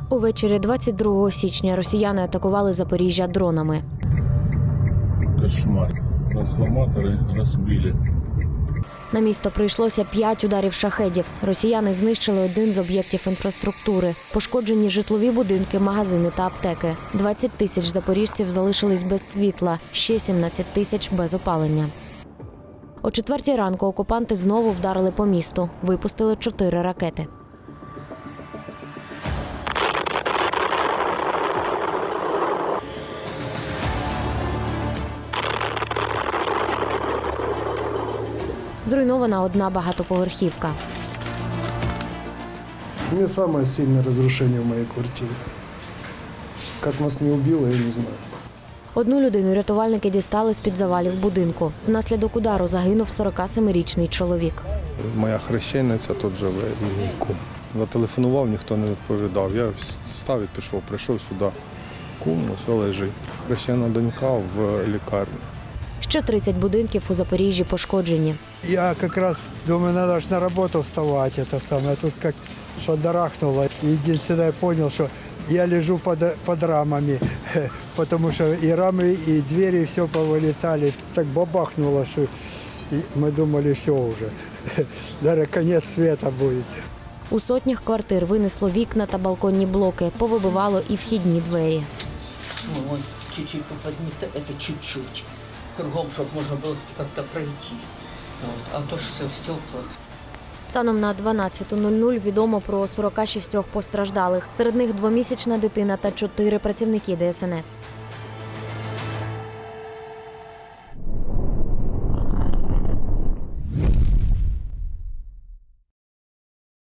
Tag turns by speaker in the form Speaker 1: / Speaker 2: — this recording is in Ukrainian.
Speaker 1: Увечері 22 січня росіяни атакували Запоріжжя дронами.
Speaker 2: Кошмар. Трансформатори розбили.
Speaker 1: На місто прийшлося 5 ударів шахедів. Росіяни знищили один з об'єктів інфраструктури. Пошкоджені житлові будинки, магазини та аптеки. 20 тисяч запоріжців залишились без світла, ще 17 тисяч без опалення. О 4 ранку окупанти знову вдарили по місту. Випустили 4 ракети. Зруйнована одна багатоповерхівка.
Speaker 3: Не самое сильное разрушение в моей квартире. Как нас не убило, я не знаю.
Speaker 1: Одну людину рятувальники дістали з-під завалів будинку. Внаслідок удару загинув 47-ричний чоловік.
Speaker 4: Моя хрещениця тут живе і мій кум. Зателефонував, ніхто не відповідав. Я встав і пішов, прийшов сюди. Кум ось лежить. Хрещена донька в лікарні.
Speaker 1: Ще 30 будинків у Запоріжжі пошкоджені.
Speaker 5: Я как раз думаю, надо ж на работу вставать, это самое. Тут как шандарахнуло. Единственное, я понял, что я лежу под рамами, потому что и рамы, и двери, все повылетали. Так бабахнуло, что мы думали, все уже. Даже конец света будет.
Speaker 1: У сотнях квартир винесло вікна та балконні блоки, повибивало і вхідні двері.
Speaker 6: Ну, ось чуть-чуть поподнято, это чуть-чуть. Кругом, щоб можна було як-то пройти. А то ж все в стеклах.
Speaker 1: Станом на 12:00 відомо про 46 постраждалих. Серед них 2-місячна дитина та 4 працівники ДСНС.